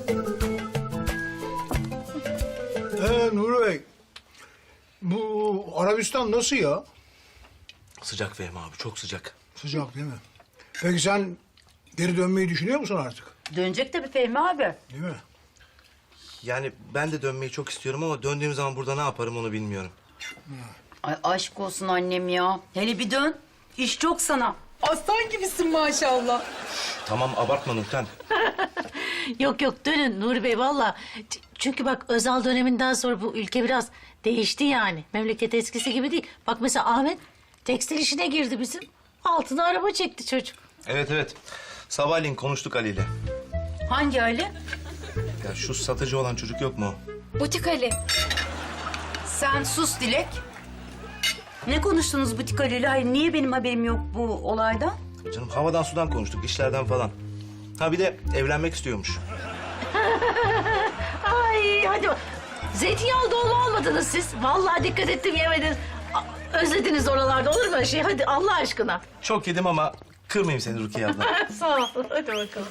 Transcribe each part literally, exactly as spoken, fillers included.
Ee, Nuri Bey, bu Arabistan nasıl ya? Sıcak Fehmi abi, çok sıcak. Sıcak değil mi? Peki sen geri dönmeyi düşünüyor musun artık? Dönecek tabii Fehmi abi. Değil mi? Yani ben de dönmeyi çok istiyorum ama döndüğüm zaman burada ne yaparım onu bilmiyorum. Ay aşk olsun annem ya. Hele bir dön. İş çok sana. Aslan gibisin maşallah. Tamam, abartma Nurten. Yok yok dönün Nuri Bey valla. Ç- Çünkü bak Özal döneminden sonra bu ülke biraz değişti yani. Memleket eskisi gibi değil. Bak mesela Ahmet tekstil işine girdi bizim. Altına araba çekti çocuk. Evet evet. Sabahleyin konuştuk Ali ile. Hangi Ali? Ya şu satıcı olan çocuk yok mu? Butik Ali. Sen sus Dilek. Ne konuştunuz Butik Ali ile? Hayır, niye benim haberim yok bu olaydan? Canım havadan sudan konuştuk, işlerden falan. Ha bir de evlenmek istiyormuş. Ay hadi bak. Zeytinyağlı dolma almadınız siz. Vallahi dikkat ettim yemediniz. A- Özlediniz oralarda olur mu öyle şey? Hadi Allah aşkına. Çok yedim ama kırmayayım seni Rukiye abla. Sağ ol. Hadi bakalım.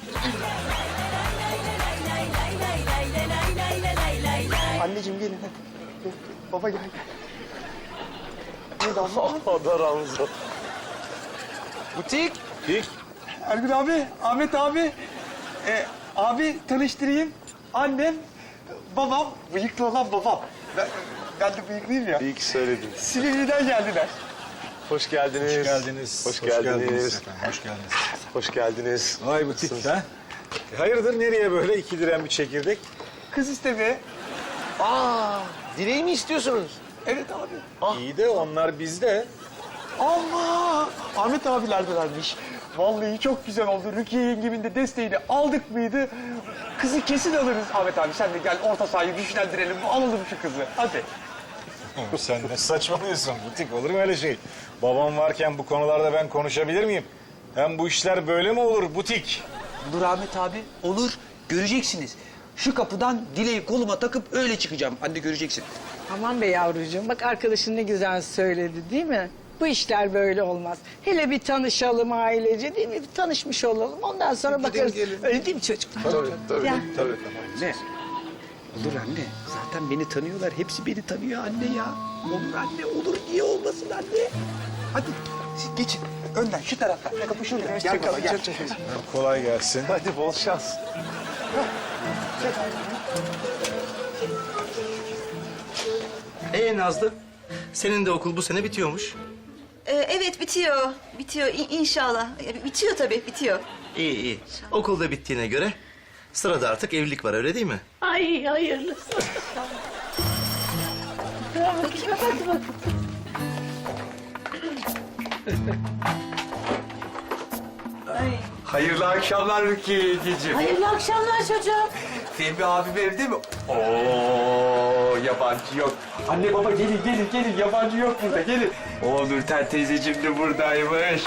Anneciğim gelin hadi. Gel, baba gel gel. Neydi abla? Allah da razı olsun. Butik. Butik. Ergün abi, Ahmet abi. Ee, abi tanıştırayım. Annem, babam, bıyıklı olan babam. Ben, ben de bıyıklıyım ya. İyi ki söyledin. Silivri'den geldiler. Hoş geldiniz. Hoş geldiniz. Hoş geldiniz. efendim, hoş geldiniz. Hoş geldiniz. Vay butik ha. E, hayırdır nereye böyle iki diren bir çekirdek? Kız istemeye. Aa, dileği mi istiyorsunuz? Evet abi. İyi de onlar bizde. Allah! Ahmet abilerdelermiş. Vallahi çok güzel oldu. Rukiye yengemin de desteğini aldık mıydı? Kızı kesin alırız. Ahmet abi sen de gel orta sahayı güçlendirelim. Alalım şu kızı. Hadi. Sen ne saçmalıyorsun butik olur mu öyle şey? Babam varken bu konularda ben konuşabilir miyim? Hem bu işler böyle mi olur butik? Dur Ahmet abi, olur. Göreceksiniz. Şu kapıdan dileği koluma takıp öyle çıkacağım. Anne göreceksin. Aman be yavrucuğum, bak arkadaşın ne güzel söyledi değil mi? Bu işler böyle olmaz. Hele bir tanışalım ailece değil mi? Bir tanışmış olalım. Ondan sonra bakarız. Öyle değil mi çocuklar? Tabii, tabii, Ya. tabii. Anne. Olur anne. Zaten beni tanıyorlar. Hepsi beni tanıyor anne ya. Olur anne, olur. Niye olmasın anne? Hadi siz geçin. Önden şu taraftan. Kapı şurada. Gel baba gel. Kolay gelsin. Hadi bol şans. Ee Nazlı, senin de okul bu sene bitiyormuş. Ee, evet bitiyor. Bitiyor İ- inşallah. Ee, Bitiyor tabii bitiyor. İyi iyi. Okul da bittiğine göre sırada artık evlilik var öyle değil mi? Ay hayırlısı. Hadi bakalım. Hayırlı akşamlar Rukiye yengeciğim. Hayırlı akşamlar çocuğum. Fehmi abim evde mi? Oo yabancı yok. Anne baba gelin gelin gelin yabancı yok burada gelin. Oo Nurten teyzeciğim de buradaymış.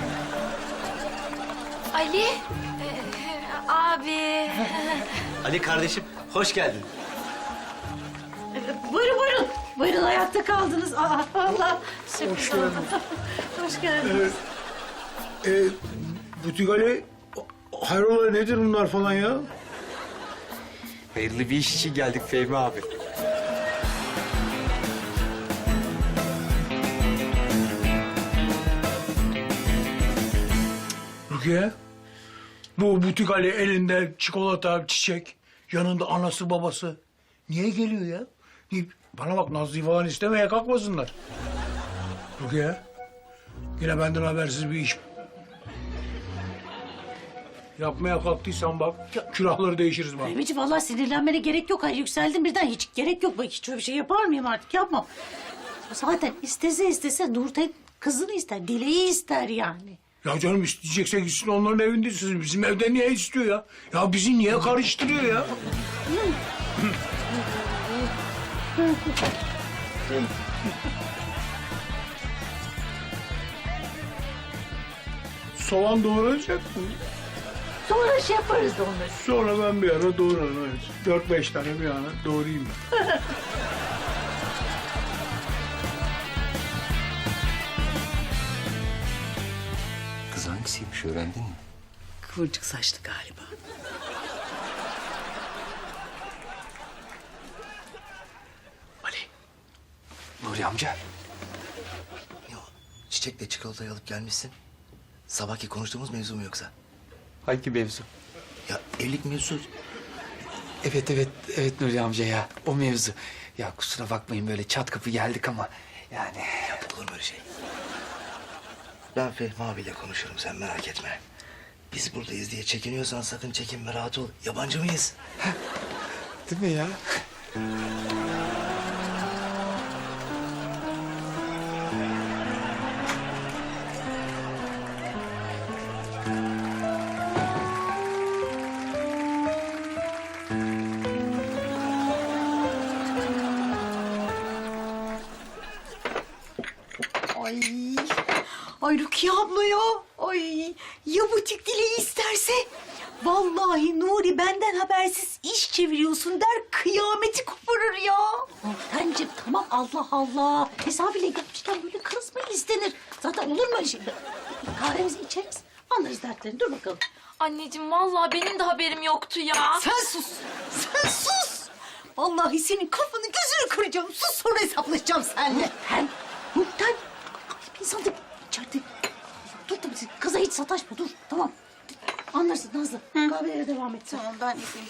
Ali, ee, abi. Ali kardeşim, hoş geldin. Buyurun buyurun. Buyurun ayakta kaldınız. Aa, Allah. Hoş geldin. Hoş geldiniz. Ee, Butik Ali, hayrola nedir bunlar falan ya? Hayırlı bir iş için geldik Fehmi abi. Rukiye, bu Butik Ali elinde çikolata, çiçek, yanında anası babası. Niye geliyor ya? Niye- Bana bak Nazlı'yı falan istemeye kalkmasınlar. Rukiye, yine benden habersiz bir iş. Yapmaya kalktıysan bak, külahları değişiriz bak. Fehmi'ciğim vallahi sinirlenmene gerek yok. Hayır yükseldim birden hiç gerek yok. Bak hiç öyle bir şey yapar mıyım artık yapmam. Zaten istese istese Nurten kızını ister, Dileği ister yani. Ya canım isteyecekse gitsin onların evinde sizin. Bizim evde niye istiyor ya? Ya bizi niye karıştırıyor ya? Soğan doğrayacak mı? Sonra şey yaparız da onları. Sonra ben bir ara doğrarım. Evet. Dört beş tane bir ara doğrayayım ben. Kız hangisiymiş öğrendin mi? Kıvırcık saçlı galiba. Nuri amca? Ya, çiçekle çikolatayı alıp gelmişsin. Sabahki konuştuğumuz mevzu mu yoksa? Hangi mevzu? Ya evlilik mevzu. Evet evet evet Nuri amca ya. O mevzu. Ya kusura bakmayın böyle çat kapı geldik ama yani. Olur mu öyle şey? Ben Fehmi abiyle konuşurum, sen merak etme. Biz buradayız diye çekiniyorsan sakın çekinme, rahat ol. Yabancı mıyız? Değil mi ya? Ay. Ay Rukiye abla ya. Ay. Ya butik dileği isterse? Vallahi Nuri benden habersiz iş çeviriyorsun der, kıyameti koparır ya. Nurtenciğim tamam Allah Allah. Misafirle gelmişken böyle kız mı istenir? Zaten olur mu öyle şey? Kahvemizi içeriz. Anlarız dertlerini. Dur bakalım. Anneciğim vallahi benim de haberim yoktu ya. Sen sus. Sen sus. Vallahi senin kafanı gözünü kıracağım. Sus, sonra hesaplaşacağım seninle. Nurten. Nurten. Bir insan da içeride. Dur tabii kıza hiç sataşma dur. Tamam. Anlarsın Nazlı. Kahvelere devam et. Tamam, ben yapayım.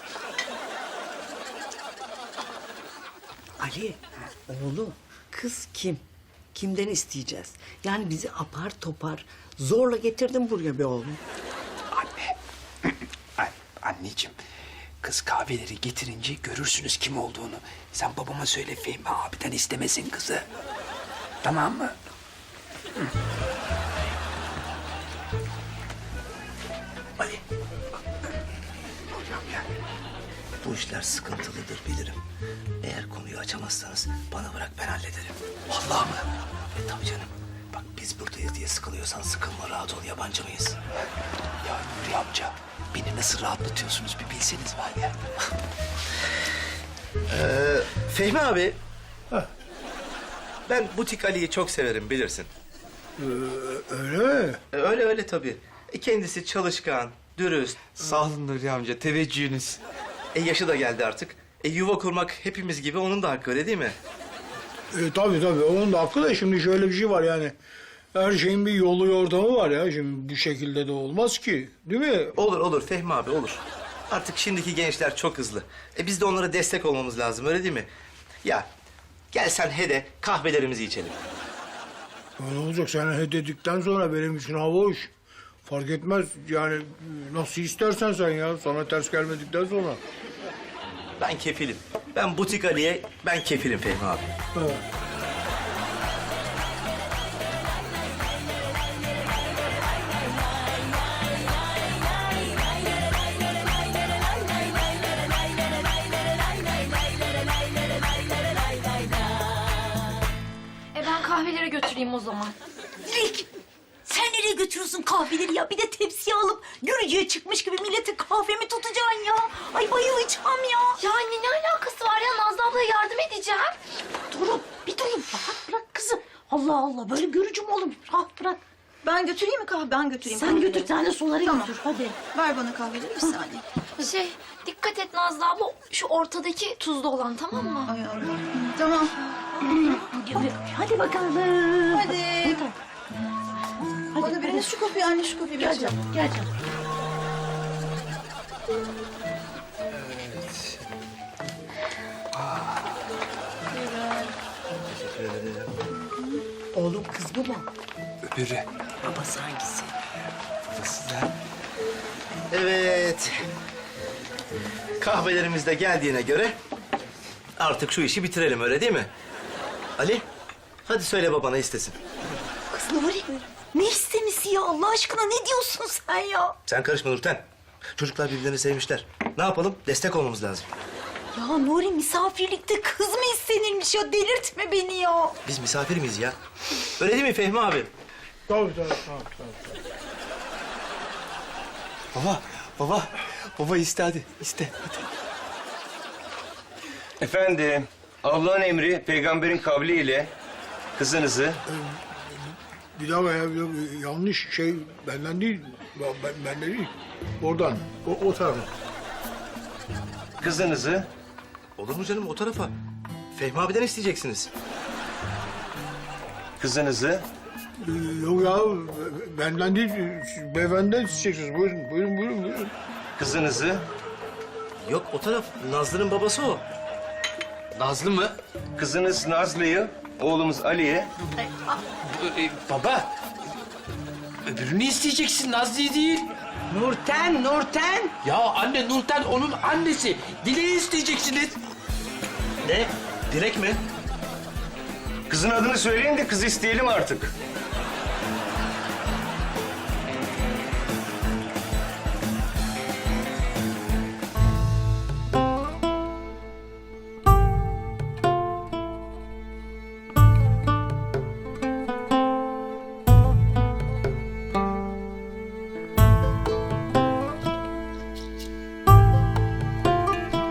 Ali, oğlum, kız kim? Kimden isteyeceğiz? Yani bizi apar topar zorla getirdin buraya be oğlum. Anne. An anneciğim. Kız kahveleri getirince görürsünüz kim olduğunu. Sen babama söyle Fehmi abiden istemesin kızı. Tamam mı? Ali. Hocam ya. Bu işler sıkıntılıdır bilirim. Eğer konuyu açamazsanız bana bırak, ben hallederim. Vallahi mı? E tabii canım. Bak biz buradayız diye sıkılıyorsan sıkılma, rahat ol, yabancı mıyız? Ya Nuri amca beni nasıl rahatlatıyorsunuz bir bilseniz var ya. Ee, Fehmi abi. Ben butik Ali'yi çok severim, bilirsin. Öyle mi? E, öyle öyle tabii. E, kendisi çalışkan, dürüst. Sağ olun Nuri amca teveccühünüz. E, yaşı da geldi artık. E, yuva kurmak hepimiz gibi onun da hakkı, öyle değil mi? E, tabii tabii, onun da hakkı da şimdi şöyle bir şey var yani. Her şeyin bir yolu yordamı var ya. Şimdi bu şekilde de olmaz ki. Değil mi? Olur olur Fehmi abi, olur. Artık şimdiki gençler çok hızlı. E, biz de onlara destek olmamız lazım, öyle değil mi? Ya gel sen he de kahvelerimizi içelim. Ya ne olacak, sen he dedikten sonra benim için hava hoş. Fark etmez yani, nasıl istersen sen ya. Sana ters gelmedikten sonra. Ben kefilim. Ben butik Ali'ye ben kefilim Fehmi abi. Evet. E ben kahvelere götüreyim o zaman. Dilek, sen nereye götürüyorsun kahveleri ya? Bir de tepsiye alıp yürüyeceğe çıkmış gibi millete kahve mi tutacaksın ya? Ay bayılacağım ya. Ya anne ne alakası var ya? Nazlı ablaya yardım edeceğim. Durun bir durun. Rahat bırak kızı. Allah Allah böyle görücü mü olur? Rahat bırak. Ben götüreyim mi kahve? Ben götüreyim Sen kahveleri. götür sen de suları Tamam. götür hadi. Ver bana kahveleri bir saniye. Şey dikkat et Nazlı abla şu ortadaki tuzlu olan tamam mı? Ay Allah. Tamam. Hadi, hadi bakalım. Hadi. Hadi, Bana biriniz şu kapıyı, anne şu kapıyı. Gel canım gel canım. Teşekkür ederim. Oğlum kız bu mu? Öbürü. Babası hangisi? Nasıl ya? Evet. Kahvelerimiz de geldiğine göre artık şu işi bitirelim, öyle değil mi? Ali, hadi söyle babana istesin. Kız Nuri, ne istemesi ya? Allah aşkına ne diyorsun sen ya? Sen karışma Nurten. Çocuklar birbirlerini sevmişler. Ne yapalım? Destek olmamız lazım. Ya Nuri, misafirlikte kız mı istenirmiş ya? Delirtme beni ya. Biz misafir miyiz ya? Öyle değil mi Fehmi abi? Tabii tabii tabii. tabii. Baba, baba, baba iste hadi, iste hadi. Efendim, Allah'ın emri, peygamberin kavliyle kızınızı Bir daha ya, bir daha- yanlış şey benden değil. Ben, ben- benden değil. Oradan, o, o tarafa. kızınızı Olur mu canım, o tarafa? Fehmi abiden isteyeceksiniz. kızınızı, Ee, Yok ya, benden değil, beyefendiden isteyeceksiniz. Buyurun, buyurun, buyurun, buyurun. kızınızı, Yok o taraf Nazlı'nın babası o. Nazlı mı? kızınız Nazlı'yı, oğlumuz Ali'ye, Ee, baba. Öbürünü isteyeceksin Nazlı'yı değil. Nurten, Nurten. Ya anne Nurten onun annesi. Dileği isteyeceksiniz. Ne? Direkt mi? kızın adını söyleyin de kızı isteyelim artık.